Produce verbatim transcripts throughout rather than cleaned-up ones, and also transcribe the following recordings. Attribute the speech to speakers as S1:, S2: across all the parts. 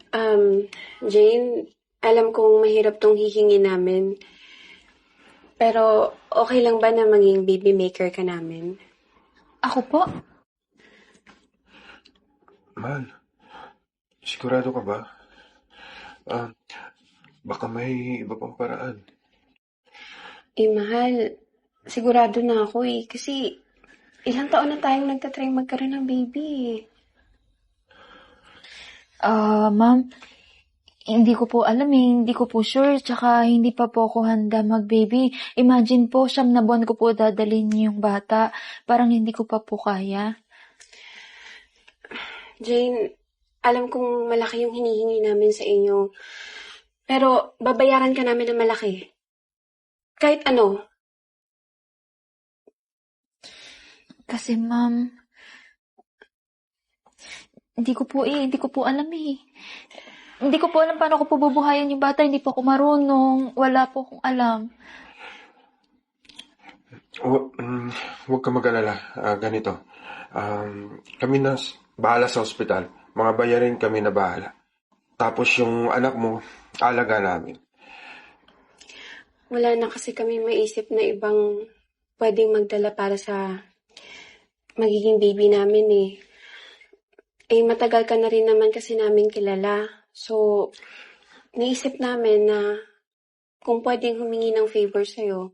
S1: Um, Jane, alam kong mahirap tong hihingi namin. Pero okay lang ba na maging baby maker ka namin?
S2: Ako po?
S3: Mahal, sigurado ka ba? Ah, baka may iba pang paraan.
S1: Eh, mahal, sigurado na ako eh. Kasi ilang taon na tayong nagtatry magkaroon ng baby eh.
S2: Ah, ma'am, hindi ko po alam eh. Hindi ko po sure. Tsaka hindi pa po ako handa mag-baby. Imagine po, siyam na buwan ko po dadalhin yung bata. Parang hindi ko pa po kaya.
S1: Jane, alam kong malaki yung hinihingi namin sa inyo. Pero babayaran ka namin ng malaki. Kahit ano.
S2: Kasi ma'am, hindi ko po eh. Hindi ko po alam eh. Hindi ko po alam paano ko po bubuhayin yung bata. Hindi po ako marunong. Wala po akong alam.
S3: Hu- mm, Huwag ka mag-alala. Ah, ganito. Um, kami na s- bahala sa ospital. Mga bayarin kami na bahala. Tapos yung anak mo, alaga namin.
S1: Wala na kasi kami maisip na ibang pwedeng magdala para sa magiging baby namin eh. Eh, matagal ka na rin naman kasi namin kilala. So, naisip namin na kung pwedeng humingi ng favor sa'yo.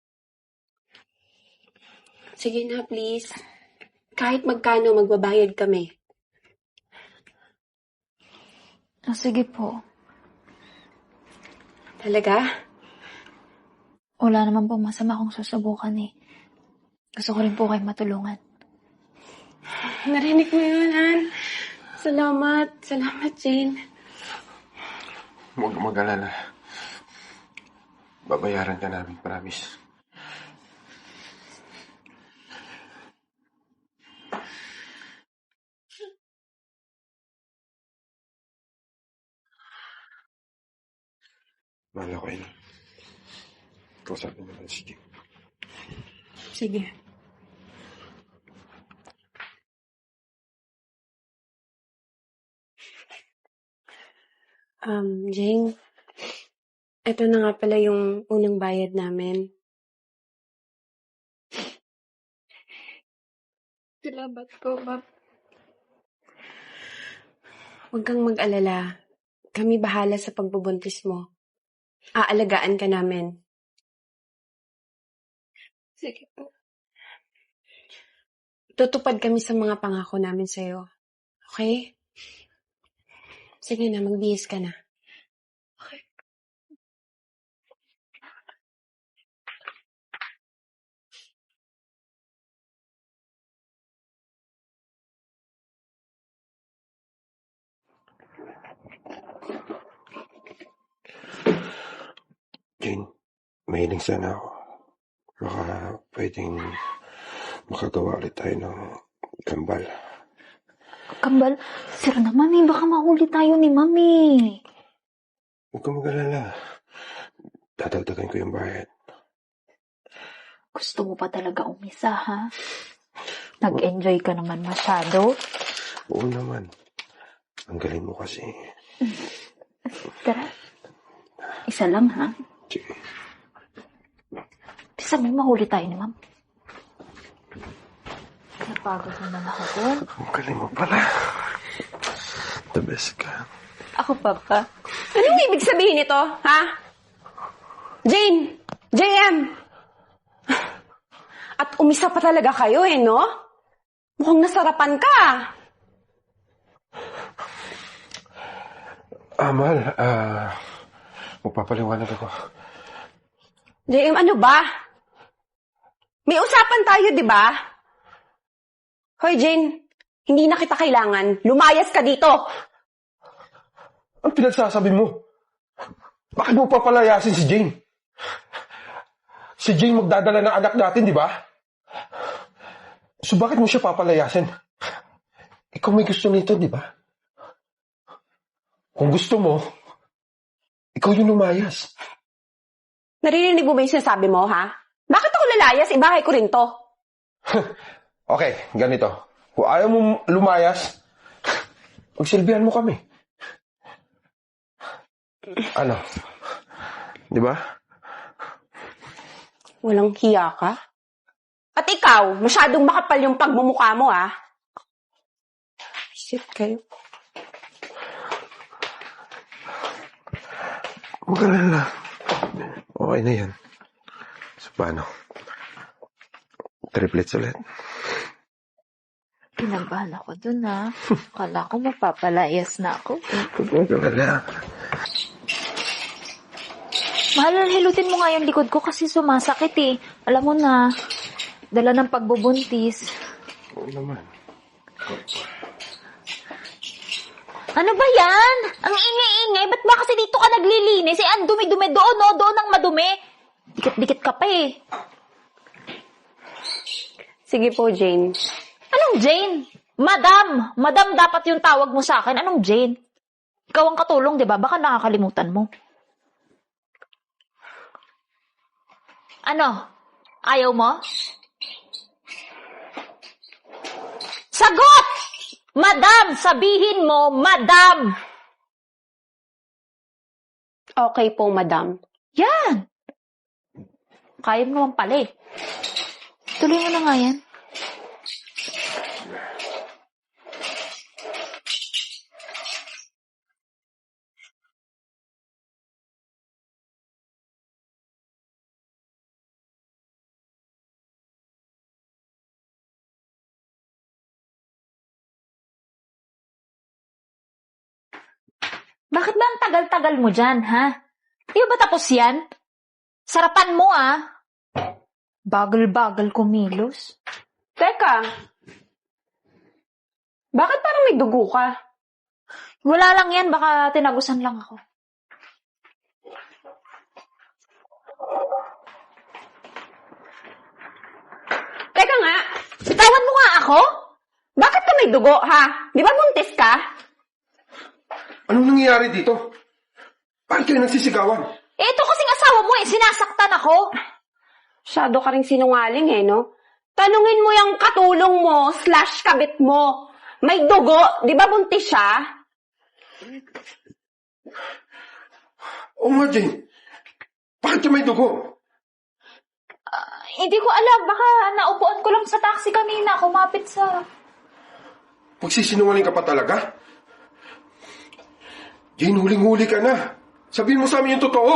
S1: Sige na, please. Kahit magkano, magbabayad kami.
S2: Ah, sige po.
S1: Talaga?
S2: Wala naman po masama kung susubukan eh. Gusto ko rin po kayo matulungan.
S1: Narinig mo yun, Han. Salamat. Salamat, Jane.
S3: Huwag ka mag-alala. Babayaran ka namin, promise. Mahal ako yun. Kausapin naman si Jim.
S1: Sige. Um, Jane, ito na nga pala yung unang bayad namin. Salamat po, ma'am. Huwag kang mag-alala. Kami bahala sa pagbubuntis mo. Aalagaan ka namin. Sige po. Tutupad kami sa mga pangako namin sa'yo. Okay? Sige na, magbihis ka na. Okay.
S3: Jane, mahiling sana ako. Baka pwedeng makagawa ulit tayo ng kambal.
S2: Kambal, sir naman eh. Baka mahuli tayo ni mami.
S3: Huwag ka mag-alala. Dadagdagan ko yung bayad.
S2: Gusto mo pa talaga umisa, ha? Nag-enjoy ka naman masyado.
S3: Oo naman. Ang galing mo kasi.
S2: Tara. Isa lang, ha?
S3: Sige.
S2: Bisa may mahuli tayo ni ma'am. Napagod naman ako doon.
S3: Ang galing mo pala. The best ka.
S2: Ako pa pa.
S1: Anong ibig sabihin nito, ha? Jane! J M! At umisa pa talaga kayo eh, no? Mukhang nasarapan ka.
S3: Ah, mahal. Ah, magpapaliwanag ako.
S1: J M, ano ba? May usapan tayo, di ba? Hoy, Jane, hindi na kita kailangan. Lumayas ka dito.
S3: Ang pinagsasabi mo? Bakit mo papalayasin si Jane? Si Jane magdadala ng anak natin, di ba? So bakit mo siya papalayasin? Ikaw may gusto nito, di ba? Kung gusto mo, ikaw yung lumayas.
S1: Naririnig mo ba yung sinasabi mo, ha? Bakit ako lalayas? Ibahay ko rin to.
S3: Okay, ganito. Kung ayaw mo lumayas, pagsilbihan mo kami. Ano? Di ba?
S4: Walang hiya ka? At ikaw, masyadong makapal yung pagmumukha mo, ah. Shit kayo.
S3: Mag-alala. Okay na yan. So, paano? Triplets ulit.
S2: Pinabahan ako dun, ha? Kala ko mapapalayas na ako.
S3: Huwag mag-alala.
S2: Mahal, hilutin mo nga yung likod ko kasi sumasakit eh. Alam mo na, dala ng pagbubuntis.
S3: Oo naman.
S2: Ano ba yan? Ang ingay-ingay. Ba't ba kasi dito ka naglilinis? Eh, ang dumi-dumi doon, no? Doon ang madumi. Dikit-dikit ka pa eh.
S4: Sige po, Jane.
S2: Anong Jane? Madam! Madam dapat yung tawag mo sa akin. Anong Jane? Ikaw ang katulong, di ba? Baka nakakalimutan mo. Ano? Ayaw mo? Sagot! Madam! Sabihin mo, Madam!
S4: Okay po, madam.
S2: Yan! Kaya mo naman pala eh. Tuloy mo na nga yan. Bakit ba ang tagal-tagal mo dyan, ha? Di ba tapos yan? Sarapan mo, ah. Bagal-bagal kumilos.
S4: Teka. Bakit parang may dugo ka?
S2: Wala lang yan, baka tinagusan lang ako.
S4: Teka nga. Bitawan mo nga ako? Bakit ka may dugo, ha? Di ba buntis ka?
S3: Anong nangyayari dito? Bakit kayo nagsisigawan?
S2: Eh, ito kasing asawa mo eh, sinasaktan ako.
S4: Masyado ka rin sinungaling eh, no? Tanungin mo yung katulong mo slash kabit mo. May dugo, di ba buntis siya?
S3: Oo nga, Jane. Bakit ka may dugo?
S2: Uh, hindi ko alam, baka naupuan ko lang sa taxi kanina, kumapit sa...
S3: Pagsisinungaling ka pa talaga? Jane, huling-huli ka na. Sabihin mo sa amin yung totoo.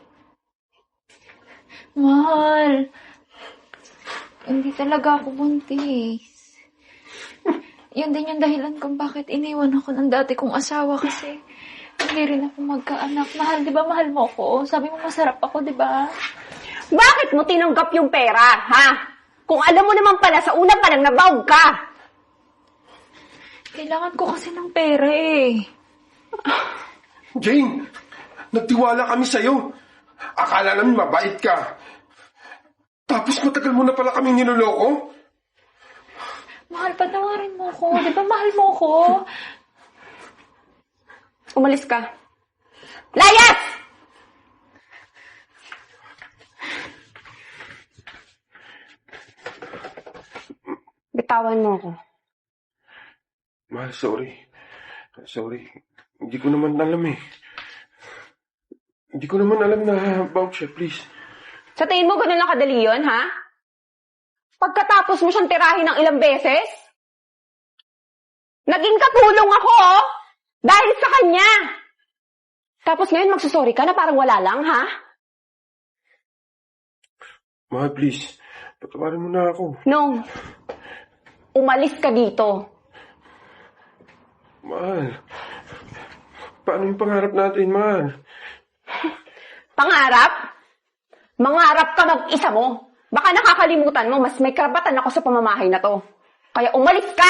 S2: Mahal, hindi talaga ako buntis. Yun din yung dahilan kung bakit iniwan ako ng dati kong asawa kasi hindi rin ako magkaanak. Mahal, di ba mahal mo ako? Sabi mo masarap ako, di ba?
S4: Bakit mo tinanggap yung pera, ha? Kung alam mo naman pala, sa una pa lang nabawag ka.
S2: Kailangan ko kasi ng pera eh.
S3: Jane, nagtiwala kami sa'yo. Akala namin mabait ka. Tapos matagal mo na pala kaming niloloko.
S2: Mahal, patawarin mo ko. Di ba mahal mo ko?
S4: Umalis ka. Layas! Bitawan mo ako.
S3: Mahal, sorry. Sorry. Hindi ko naman alam eh. Hindi ko naman alam na about siya, please.
S4: Sa tingin mo ganun lang kadali yun, ha? Pagkatapos mo siyang tirahin ng ilang beses? Naging katulong ako, oh! Dahil sa kanya! Tapos ngayon magsusorry ka na parang wala lang, ha?
S3: Mahal, please. Patawarin mo na ako.
S4: No. Umalis ka dito.
S3: Mahal. Paano yung pangarap natin, mahal?
S4: Pangarap? Mangarap ka mag-isa mo. Baka nakakalimutan mo, mas may karapatan ako sa pamamahay na to. Kaya umalis ka!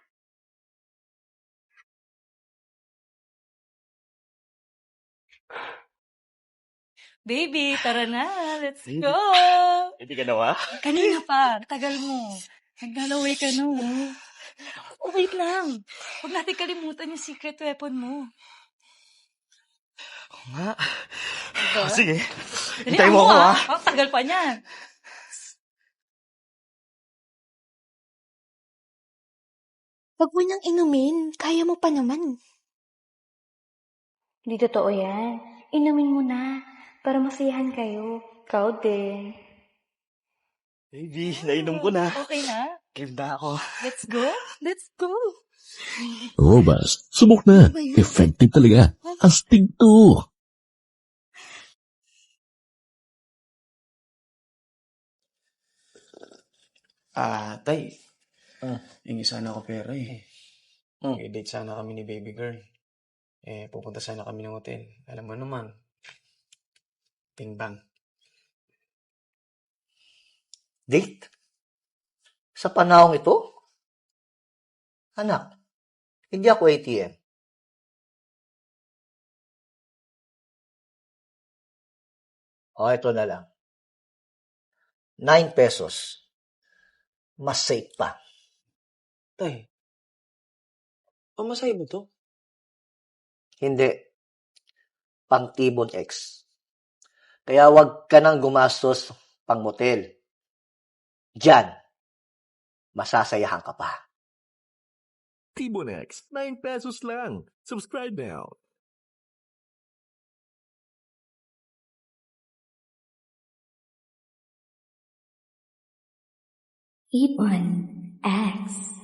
S5: Baby, tara na. Let's go.
S6: Hindi ka nawa?
S5: Kanina pa. Tagal mo. Naglalaway ka no. Oh, wait lang. Huwag natin kalimutan yung secret weapon mo.
S6: Oo nga.
S5: Diba?
S6: Oh, sige.
S5: Dali,
S6: Hintayin mo
S5: amo,
S6: ako,
S5: ah.
S6: ha?
S5: Ang tagal pa niyan.
S7: Huwag mo nang inumin. Kaya mo pa naman.
S2: Hindi totoo yan.
S6: inumin mo na para masayahan kayo. Ikaw din.
S8: Baby, nainom ko na.
S5: Okay na?
S8: Game na ako.
S5: Let's go? Let's go.
S9: Robust. Subok na. Effective talaga. Astig to.
S8: Ah, tay.
S10: Ah.
S8: Hingi sana ako pera eh.
S10: Hmm.
S8: I-date sana kami ni baby girl. Eh, pupunta sana kami ng hotel. Alam mo naman. Ting-bang.
S10: Date? Sa panahong ito? Anak, hindi ako A T M. O, ito na lang. Nine pesos. Mas safe pa.
S8: Tay, pamasahe mo to?
S10: Hindi. Pang-Tibon X. Kaya wag ka nang gumastos pang motel. Diyan, masasayahan ka pa.
S9: Tibon X. nine pesos lang. Subscribe now.
S6: Ibon X.